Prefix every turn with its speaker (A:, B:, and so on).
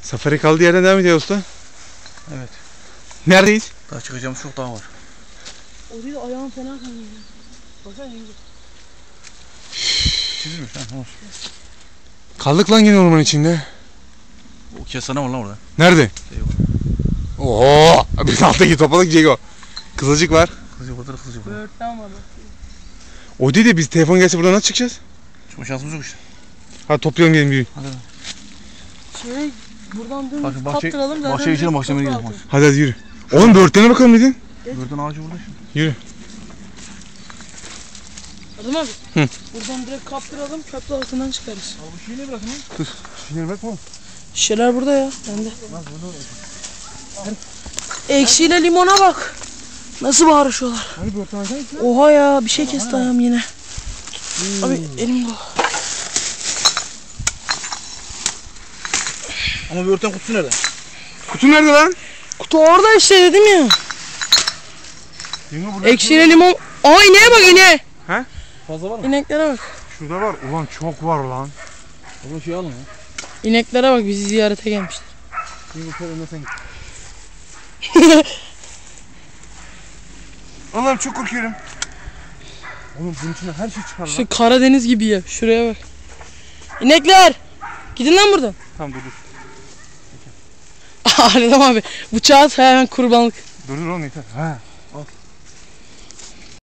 A: Safari kaldığı yerden devam ediyor usta.
B: Evet.
A: Neredeyiz?
B: Daha çıkacağımız çok daha var.
C: O değil, ayağım fena kanıyor. Baksana yenge.
B: Çizilmiş ha. Olsun.
A: Kaldık lan yine orman içinde.
B: O kestane var lan orada.
A: Nerede?
B: Şey var.
A: Oo! Bir alttaki topalık Cego. Kızılcık var.
B: Kızılcık orada, kızılcık var.
C: Böğürtlen var bak.
A: O değil de biz telefon gelse buradan nasıl çıkacağız?
B: Çıkma şansımız yok işte.
A: Hadi toplayalım gelin bir.
B: Hadi.
C: Şey, buradan dön
B: Bak,
C: kaptıralım zaten.
B: bahçeye geçelim, bahçeye
C: çok
B: gidelim.
C: rahat.
A: Hadi yürü. Oğlum böğürtlene bakalım dedin.
B: Böğürtlen ağacı burada şimdi.
A: Yürü.
C: Adım abi.
A: Hı.
C: Buradan direkt kaptıralım, köprü altından çıkarız.
B: Abi bu şeyi ne bırakın lan?
A: Dur. Şişeleri bırakma oğlum.
C: Şişeler burada ya, bende. Ekşiyle limona bak. Nasıl bağırışıyorlar.
A: Hani böğürtlen alsana içine.
C: Oha ya, bir şey kesti ayağım yine. Abi elim dolu.
B: Ama böğürtlen kutusu nerede?
A: Kutu nerede lan?
C: Kutu orada işte dedim ya.
A: Yenge burada.
C: Ekşiyle limon. Aa ineğe bak ineğe.
B: Fazla var mı?
C: İneklere bak.
A: Şurada var. Ulan çok var lan.
B: O zaman şey alın ya.
C: İneklere bak, bizi ziyarete gelmişler.
A: Yenge şöyle önden sen git. Allah'ım çok korkuyorum. Oğlum bunun içine her şey çıkar lan.
C: Şu Karadeniz gibi ya. Şuraya bak. İnekler. Gidin lan buradan.
A: Tamam dur.
C: Adam abi. Bıçağı at hemen kurbanlık.
A: Dur oğlum yeter. Ha.